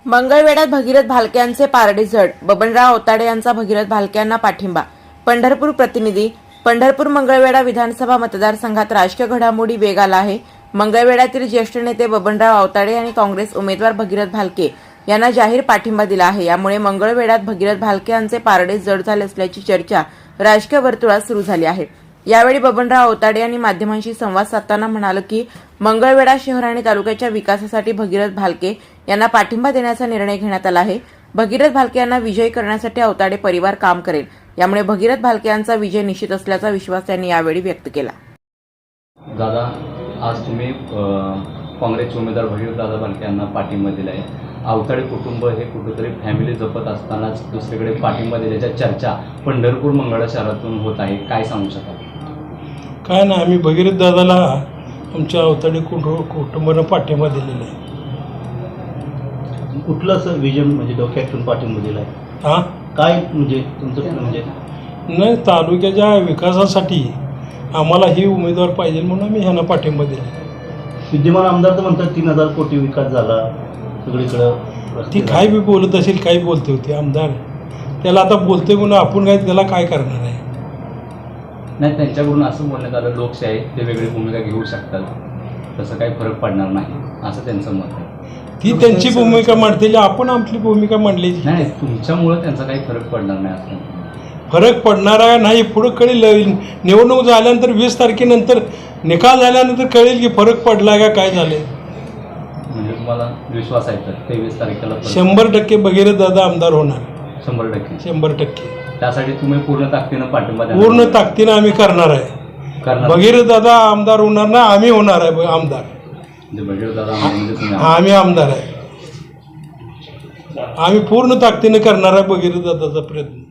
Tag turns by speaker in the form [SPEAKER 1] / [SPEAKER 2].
[SPEAKER 1] मंगळवेढ्यात भगीरथ भालके यांचे पारडी जड, बबनराव अवताडे यांचा भगीरथ भालके यांना पाठिंबा. पंढरपूर प्रतिनिधी. पंढरपूर मंगळवेढा विधानसभा मतदारसंघात राजकीय घडामोडी वेग आला आहे. मंगळवेढ्यातील ज्येष्ठ नेते बबनराव अवताडे यांनी काँग्रेस उमेदवार भगीरथ भालके यांना जाहीर पाठिंबा दिला आहे. यामुळे मंगळवेढ्यात भगीरथ भालके यांचे पारडे जड झाले असल्याची चर्चा राजकीय वर्तुळात सुरू झाली आहे. यावेळी बबनराव अवताडे यांनी माध्यमांशी संवाद साधताना म्हणाले की मंगळवेढा शहर आणि तालुक्याच्या विकासासाठी भगीरथ भालके यांना पाठिंबा देण्याचा निर्णय घेण्यात आला आहे. भगीरथ भालके यांना विजयी करण्यासाठी अवताडे परिवार काम करेल. यामुळे भगीरथ भालके यांचा विजय निश्चित असल्याचा विश्वास त्यांनी यावेळी व्यक्त केला.
[SPEAKER 2] दादा, आज तुम्ही काँग्रेसचे उमेदवार भगीरथ दादा भालके यांना पाठिंबा दिला आहे. अवताडे कुटुंब हे कुठेतरी फॅमिली जपत असतानाच दुसरीकडे पाठिंबा दिल्याच्या चर्चा पंढरपूर मंगळा शहरातून होत आहे. काय सांगू शकाल?
[SPEAKER 3] काय ना, आम्ही भगीरथ दादाला आमच्या अवताडे कुटुंबानं पाठिंबा दिलेला आहे.
[SPEAKER 4] कुठलं असं विजन म्हणजे डोक्यातून पाठिंबा दिला आहे?
[SPEAKER 3] हां,
[SPEAKER 4] काय म्हणजे तुमचं म्हणजे
[SPEAKER 3] नाही, तालुक्याच्या विकासासाठी आम्हाला ही उमेदवार पाहिजे म्हणून आम्ही ह्यांना पाठिंबा दिला.
[SPEAKER 4] विद्यमान आमदार तर म्हणतात 3,000 कोटी विकास झाला सगळीकडं.
[SPEAKER 3] ती काय बी बोलत असेल, काही बोलते होती आमदार. त्याला आता बोलते म्हणून आपण काय त्याला काय करणार आहे?
[SPEAKER 2] नाही, त्यांच्याकडून असं बोलण्यात आलं लोकशाही ते वेगळी भूमिका घेऊ शकतात, तसं काही फरक पडणार नाही असं त्यांचं मत आहे.
[SPEAKER 3] ती त्यांची भूमिका मांडते, आपण आपली भूमिका मांडली
[SPEAKER 2] नाही, तुमच्यामुळं त्यांचा काही फरक पडणार नाही असं.
[SPEAKER 3] फरक पडणार आहे नाही, पुढं कळेल. निवडणूक झाल्यानंतर 20 तारखेनंतर निकाल झाल्यानंतर कळेल की फरक पडला का काय झाले.
[SPEAKER 2] म्हणजे तुम्हाला विश्वास आहे तर 23 तारखेला
[SPEAKER 3] 100% भगीरथ दादा आमदार होणार.
[SPEAKER 2] 100%.
[SPEAKER 3] 100%.
[SPEAKER 2] त्यासाठी तुम्ही पूर्ण ताकदीनं पाठिंबा द्या.
[SPEAKER 3] पूर्ण ताकदीनं आम्ही करणार आहे. भगीरथ दादा आमदार होणार ना, आम्ही होणार आहे आमदार.
[SPEAKER 2] भगीरथ दादा म्हणजे तुम्ही
[SPEAKER 3] आम्ही आमदार आहे. आम्ही पूर्ण ताकदीनं करणार आहे भगीरथ दादाचा प्रयत्न.